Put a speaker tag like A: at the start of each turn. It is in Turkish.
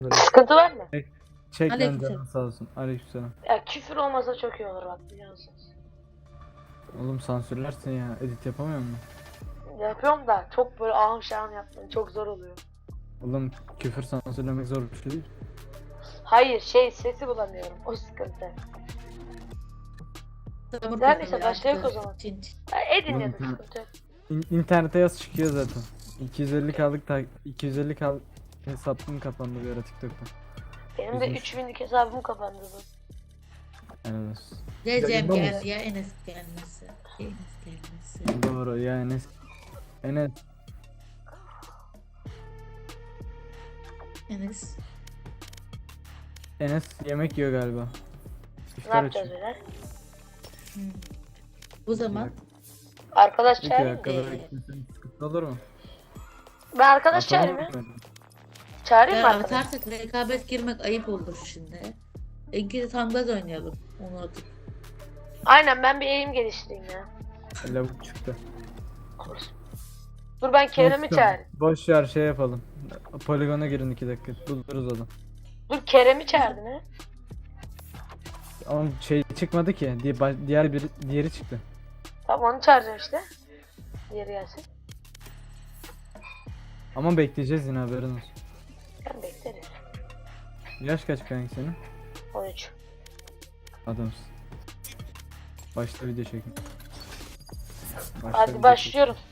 A: Sıkıntı var mı?
B: Çek lan
C: Aleykümselam.
B: canın sağ olsun. Aleykümselam.
A: Ya küfür olmasa çok iyi olur bak biliyor musunuz?
B: Oğlum sansürlersin ya. Edit yapamıyor musun?
A: Yapıyorum da çok böyle ahım şahım yaptım. Çok zor oluyor.
B: Oğlum küfür sansürlemek zor bir şey değil.
A: Hayır sesi bulamıyorum. O sıkıntı.
C: Samur
A: Neredeyse
C: kafalı
A: başlayalım o
C: yaptı.
A: zaman.
C: Çin çin.
A: Ya edin ya da
B: Oğlum,
A: sıkıntı yok.
B: İnternete yaz çıkıyor zaten. 250 kaldık 250 hesabım kapandı bir ara TikTok'ta.
A: Benim de
B: Üzmüş.
A: 3000'lik hesabım kapandı bu.
B: Helal olsun.
C: Recep
B: Yayında
C: geldi
B: mısın?
C: ya Enes gelmesi. Enes gelmesi.
B: Doğru ya Enes
C: Enes.
B: Enes yemek yiyor galiba.
A: Ne
B: İftar
A: yapacağız
B: açıyor.
A: böyle?
C: Bu zaman
A: Arkadaş
B: İki
A: çağırayım mı?
B: dakikada gitmesen sıkıntı olur mu?
A: Ben arkadaş
B: Atalım
A: çağırayım mı?
B: mı?
A: Çağırayım mı
C: ya
A: arkadaş?
C: atarsak rekabet girmek ayıp olur şimdi. İkili tam gaz oynayalım. Onu atıp.
A: Aynen ben bir eğim geliştireyim ya.
B: Lavuk çıktı.
A: Dur ben Kerem'i
B: Neyse,
A: çağırayım.
B: boş ver şey yapalım. Poligona girin 2 dakika. Buluruz adam.
A: Dur Kerem'i çağırdın ha.
B: Ama şey çıkmadı ki. Diğeri çıktı.
A: Tamam onu çağıracağım işte. Diğeri gelsin.
B: Ama bekleyeceğiz yine haberin olsun.
A: Ben beklerim.
B: Yaş kaç kanka senin?
A: 13.
B: Adamsın. Başta video çekin.
A: Hadi başlıyorum.